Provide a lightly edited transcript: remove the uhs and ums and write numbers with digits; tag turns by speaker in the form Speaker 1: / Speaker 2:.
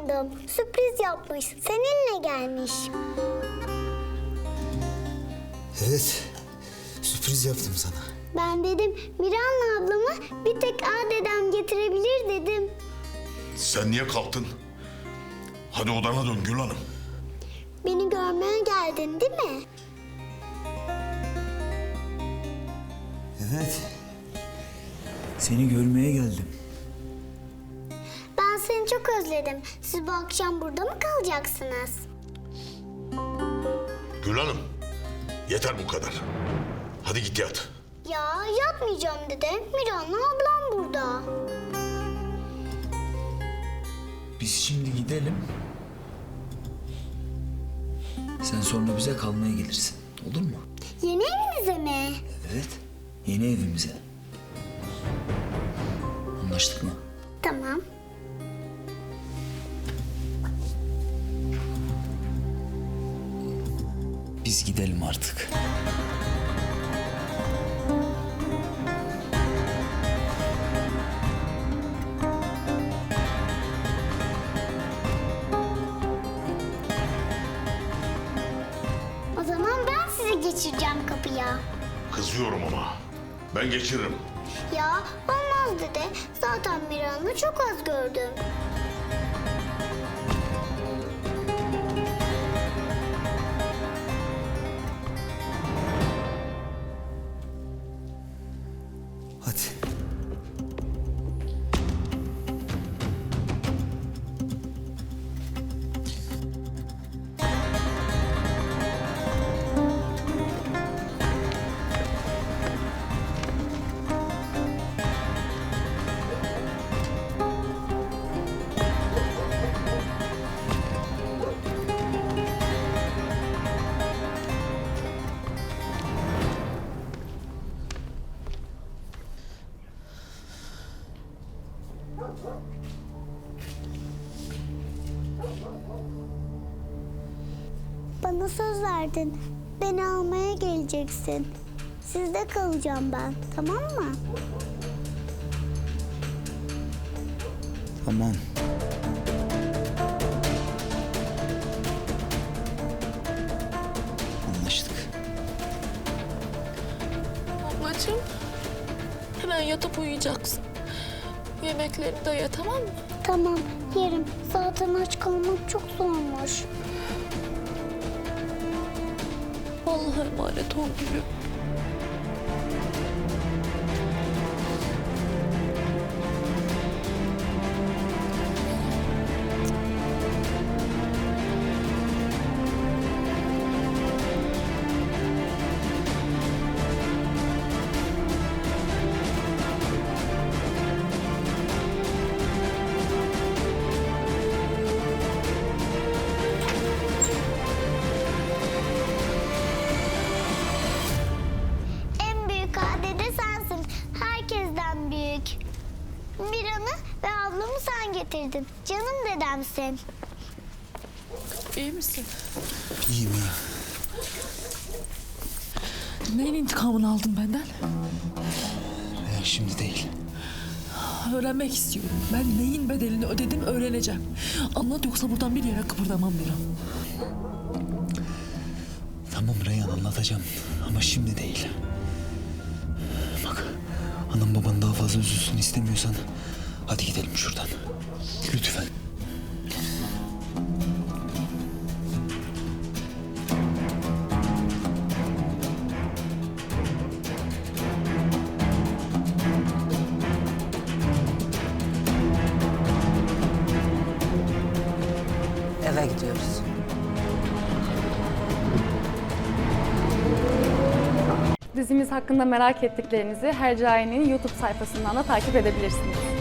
Speaker 1: sandım. Sürpriz yapmış. Seninle gelmiş.
Speaker 2: Evet, sürpriz yaptım sana.
Speaker 1: Ben dedim Miran'la ablamı bir tek dedem getirebilir dedim.
Speaker 3: Sen niye kalktın? Hadi odana dön Gül Hanım.
Speaker 1: Beni görmeye geldin değil mi?
Speaker 2: Evet, seni görmeye geldim.
Speaker 1: Ben seni çok özledim. Siz bu akşam burada mı kalacaksınız?
Speaker 3: Gül Hanım, yeter bu kadar. Hadi git yat.
Speaker 1: Ya yatmayacağım dede. Miran'la ablam burada.
Speaker 2: Biz şimdi gidelim. Sen sonra bize kalmaya gelirsin, olur mu?
Speaker 1: Yeni evinize mi?
Speaker 2: Evet, yeni evimize. Anlaştık mı?
Speaker 1: Tamam.
Speaker 2: Biz gidelim artık.
Speaker 1: O zaman ben sizi geçireceğim kapıya.
Speaker 3: Kızıyorum ama. Ben geçiririm.
Speaker 1: Ya olmaz dede. Zaten Miran'ı çok az gördüm.
Speaker 2: Hadi.
Speaker 1: Bana söz verdin. Beni almaya geleceksin. Sizde kalacağım ben. Tamam mı?
Speaker 2: Tamam. Anlaştık.
Speaker 4: Ablacığım, hemen yatıp uyuyacaksın. Yemekleri de ye, tamam mı?
Speaker 1: Tamam yerim. Zaten aç kalmak çok zormuş.
Speaker 4: Allah'a emanet ol gülüm.
Speaker 1: En büyük dede sensin. Herkesten büyük. Miran'ı ve ablamı sen getirdin. Canım dedemsin.
Speaker 4: İyi misin?
Speaker 2: İyiyim ya.
Speaker 4: Neyin intikamını aldın benden?
Speaker 2: Şimdi değil.
Speaker 4: Öğrenmek istiyorum. Ben neyin bedelini ödedim öğreneceğim. Anlat yoksa buradan bir yere kıpırdamam bir an.
Speaker 2: Tamam Reyhan, anlatacağım ama şimdi değil. Bak, anam baban daha fazla üzülsün istemiyorsan hadi gidelim şuradan. Lütfen.
Speaker 5: Eve gidiyoruz.
Speaker 6: Dizimiz hakkında merak ettiklerinizi Hercai'nin YouTube sayfasından da takip edebilirsiniz.